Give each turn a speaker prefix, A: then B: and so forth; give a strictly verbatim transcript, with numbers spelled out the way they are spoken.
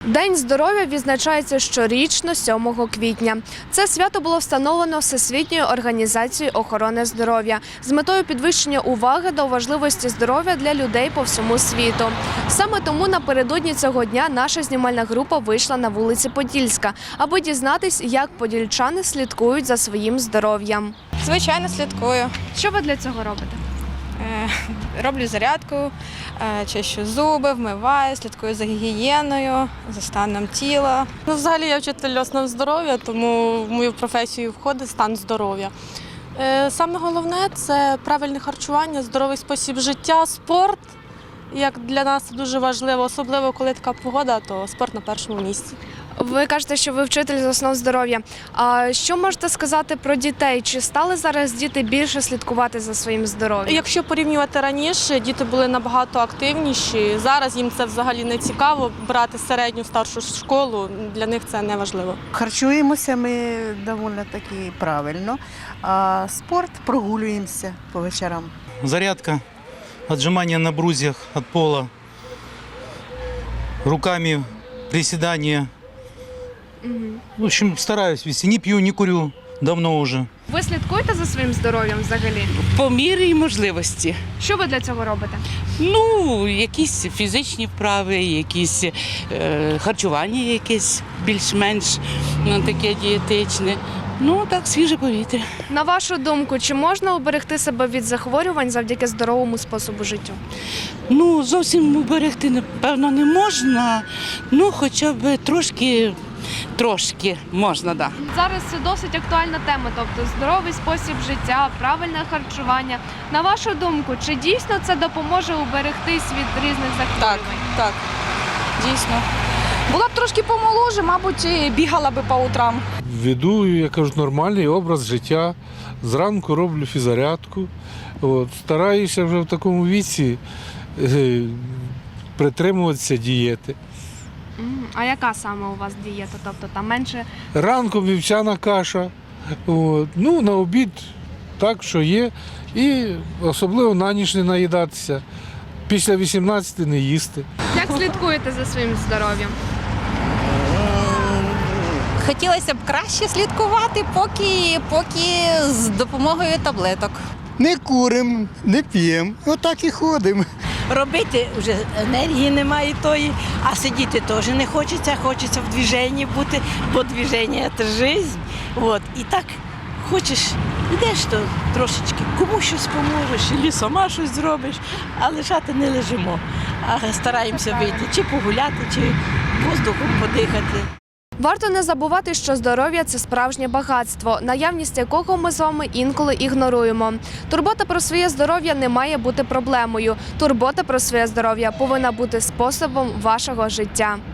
A: День здоров'я відзначається щорічно сьомого квітня. Це свято було встановлено Всесвітньою організацією охорони здоров'я з метою підвищення уваги до важливості здоров'я для людей по всьому світу. Саме тому напередодні цього дня наша знімальна група вийшла на вулиці Подільська, аби дізнатись, як подільчани слідкують за своїм здоров'ям.
B: Звичайно, слідкую.
A: Що ви для цього робите?
B: Роблю зарядку, чищу зуби, вмиваю, слідкую за гігієною, за станом тіла.
C: Ну, взагалі я вчитель основ здоров'я, тому в мою професію входить стан здоров'я. Саме головне – це правильне харчування, здоровий спосіб життя, спорт. Як для нас це дуже важливо, особливо коли така погода, то спорт на першому місці.
A: Ви кажете, що ви вчитель з основ здоров'я. А що можете сказати про дітей? Чи стали зараз діти більше слідкувати за своїм здоров'ям?
C: Якщо порівнювати раніше, діти були набагато активніші. Зараз їм це взагалі не цікаво, брати середню, старшу школу, для них це не важливо.
D: Харчуємося ми доволі таки правильно, а спорт прогулюємося по вечорам.
E: Зарядка, отжимания на брусьях от пола, руками приседания. В общем, стараюсь вести. Не пью, не курю давно уже.
A: Ви слідкуєте за своїм здоров'ям взагалі?
F: По мірі можливості.
A: Що ви для цього робите?
F: Ну, якісь фізичні вправи, якісь е, харчування якесь більш-менш ну, таке дієтичне. Ну, так, свіже повітря.
A: На вашу думку, чи можна уберегти себе від захворювань завдяки здоровому способу життя?
F: Ну, зовсім уберегти, напевно, не можна, ну, хоча б трошки, трошки можна, так. Да.
A: Зараз це досить актуальна тема, тобто здоровий спосіб життя, правильне харчування. На вашу думку, чи дійсно це допоможе уберегтись від різних
B: Так,
A: захворювань?
B: так, дійсно. Була б трошки помоложе, мабуть, і бігала би по утрам.
G: Веду, я кажу, нормальний образ життя. Зранку роблю фіззарядку. От, стараюся вже в такому віці е, притримуватися дієти.
A: М, А яка саме у вас дієта? Тобто там менше?
G: Ранком вівсяна каша, от, ну, на обід так, що є. І особливо на ніч не наїдатися. Після вісімнадцяти не їсти.
A: Як слідкуєте за своїм здоров'ям?
H: Хотілося б краще слідкувати, поки, поки з допомогою таблеток.
I: Не куримо, не п'ємо, отак і ходимо.
J: Робити вже енергії немає тої, а сидіти теж не хочеться, хочеться в движенні бути, бо движення – це життя. От. І так хочеш, йдеш, то трошечки комусь щось поможеш, і сама щось зробиш, а лежати не лежимо. А стараємося вийти, чи погуляти, чи воздухом подихати.
A: Варто не забувати, що здоров'я – це справжнє багатство, наявність якого ми з вами інколи ігноруємо. Турбота про своє здоров'я не має бути проблемою. Турбота про своє здоров'я повинна бути способом вашого життя.